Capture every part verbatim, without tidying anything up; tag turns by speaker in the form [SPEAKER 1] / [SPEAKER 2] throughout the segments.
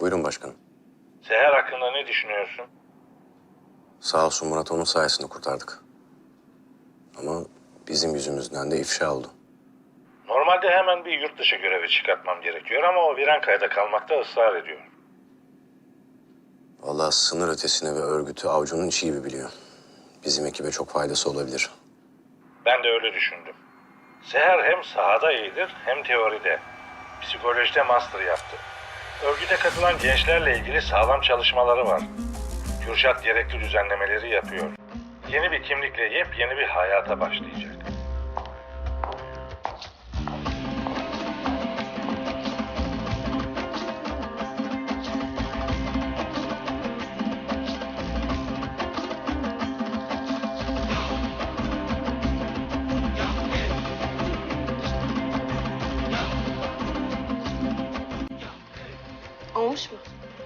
[SPEAKER 1] Buyurun başkanım.
[SPEAKER 2] Seher hakkında ne düşünüyorsun?
[SPEAKER 1] Sağ olsun Murat, onun sayesinde kurtardık. Ama bizim yüzümüzden de ifşa oldu.
[SPEAKER 2] Normalde hemen bir yurt dışı görevi çıkartmam gerekiyor ama o Virankaya'da kalmakta ısrar ediyor.
[SPEAKER 1] Vallahi sınır ötesine ve örgütü avucunun içi gibi biliyor. Bizim ekibe çok faydası olabilir.
[SPEAKER 2] Ben de öyle düşündüm. Seher hem sahada iyidir hem teoride. Psikolojide master yaptı. Örgüte katılan gençlerle ilgili sağlam çalışmaları var. Kürşat gerekli düzenlemeleri yapıyor. Yeni bir kimlikle yepyeni bir hayata başlayacak.
[SPEAKER 3] Olmuş mu?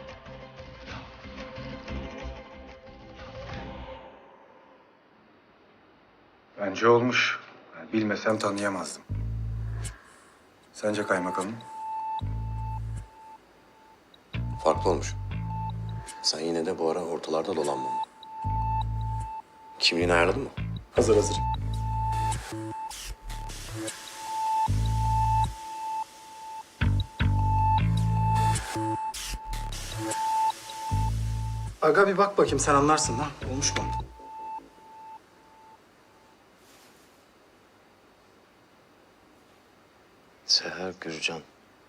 [SPEAKER 4] Bence olmuş. Yani bilmesem tanıyamazdım. Sence kaymakamım?
[SPEAKER 1] Farklı olmuş. Sen yine de bu ara ortalarda dolanma. Kimliğini ayarladın mı?
[SPEAKER 4] Hazır hazır. Aga bir bak bakayım, sen anlarsın lan. Olmuş mu?
[SPEAKER 1] Seher Gürcan.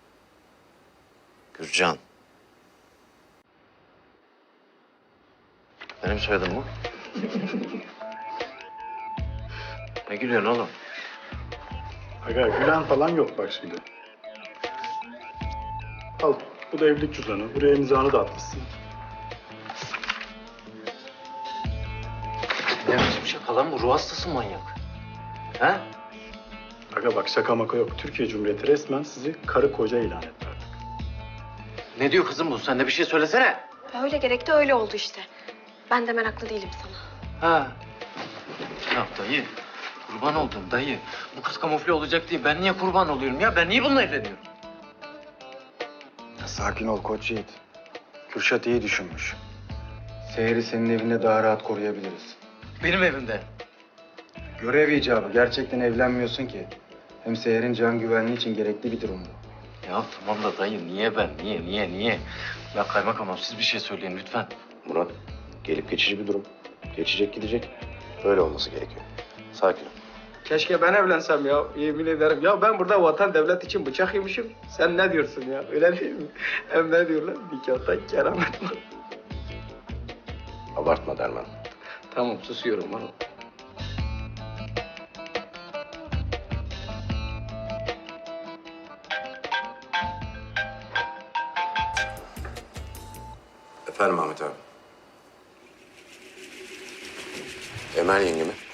[SPEAKER 1] Gürcan. Benim soyadım mı? Ne gülüyorsun oğlum?
[SPEAKER 5] Aga gülen falan yok bak şimdi. Al, bu da evlilik cüzdanı. Buraya imzanı da atmışsın.
[SPEAKER 6] Ne biçim şaka lan bu? Ruh hastası manyak. He?
[SPEAKER 5] Aga bak şaka maka yok. Türkiye Cumhuriyeti resmen sizi karı koca ilan etti artık.
[SPEAKER 6] Ne diyor kızım bu? Sen de bir şey söylesene.
[SPEAKER 3] Öyle gerekti, öyle oldu işte. Ben de meraklı değilim sana.
[SPEAKER 6] Ha. Ya dayı, kurban oldum dayı. Bu kız kamufle olacak diye ben niye kurban oluyorum ya? Ben niye bununla evleniyorum?
[SPEAKER 4] Ya sakin ol Koç Yiğit. Kürşat iyi düşünmüş. Seher'i senin evinde daha rahat koruyabiliriz.
[SPEAKER 6] Benim evimde.
[SPEAKER 4] Görev icabı. Gerçekten evlenmiyorsun ki. Hem Seher'in can güvenliği için gerekli bir durum bu.
[SPEAKER 6] Ya tamam da dayı niye ben? Niye, niye, niye? Ya kaymakamım siz bir şey söyleyin lütfen.
[SPEAKER 1] Murat, gelip geçici bir durum. Geçecek gidecek. Böyle olması gerekiyor. Sakin ol.
[SPEAKER 7] Keşke ben evlensem ya, yemin ederim. Ya ben burada vatan devlet için bıçak yemişim. Sen ne diyorsun ya, öyle değil mi? Hem ne diyorlar? Nikahta keramet var.
[SPEAKER 1] Abartma Derman.
[SPEAKER 7] Tamam, susuyorum bana.
[SPEAKER 1] Efendim Ahmet abi. Emel yenge mi?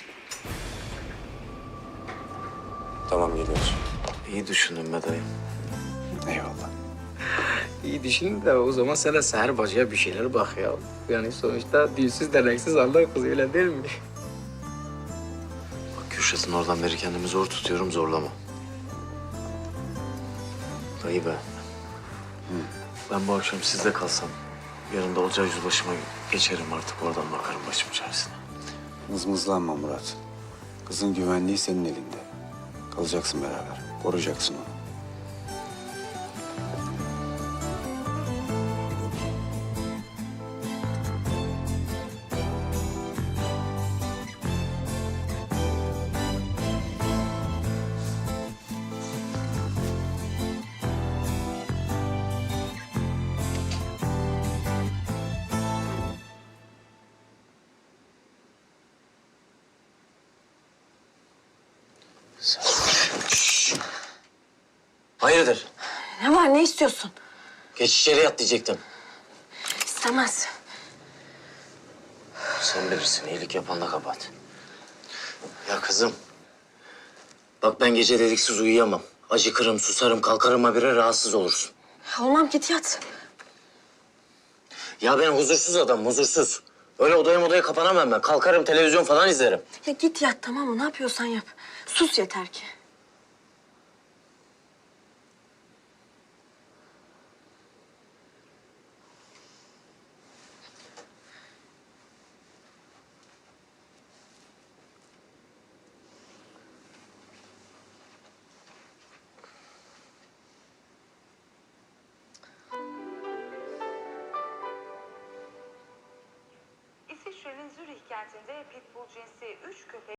[SPEAKER 1] Tamam, geliyoruz.
[SPEAKER 6] İyi düşündün be dayı.
[SPEAKER 4] Eyvallah.
[SPEAKER 7] İyi düşün de o zaman sen de Seher bacıya bir şeyler bak ya. Yani sonuçta dilsiz derneksiz Allah kızı, öyle değil mi?
[SPEAKER 6] Bak Kürşat'ın oradan beri kendimi zor tutuyorum, zorlama. Dayı be. Ben bu akşam sizde kalsam, yarın da olacağı yüzbaşıma geçerim artık, oradan bakarım başım çaresine.
[SPEAKER 4] Mızmızlanma Murat. Kızın güvenliği senin elinde. Kalacaksın beraber. Koruyacaksın onu.
[SPEAKER 6] Hayırdır?
[SPEAKER 3] Ne var, ne istiyorsun?
[SPEAKER 6] Geç içeri yat diyecektim.
[SPEAKER 3] İstemez.
[SPEAKER 6] Sen bilirsin, iyilik yapanla kabahat. Ya kızım, bak ben gece dediksiz uyuyamam. Acıkırım, susarım, kalkarım habire rahatsız olursun.
[SPEAKER 3] Olmam, git yat.
[SPEAKER 6] Ya ben huzursuz adam, huzursuz. Öyle odaya odaya kapanamam ben. Kalkarım, televizyon falan izlerim.
[SPEAKER 3] Ya git yat, tamam mı? Ne yapıyorsan yap. Sus yeter ki.
[SPEAKER 8] İngiltere'nin Zürih kentinde pitbull cinsi üç köpek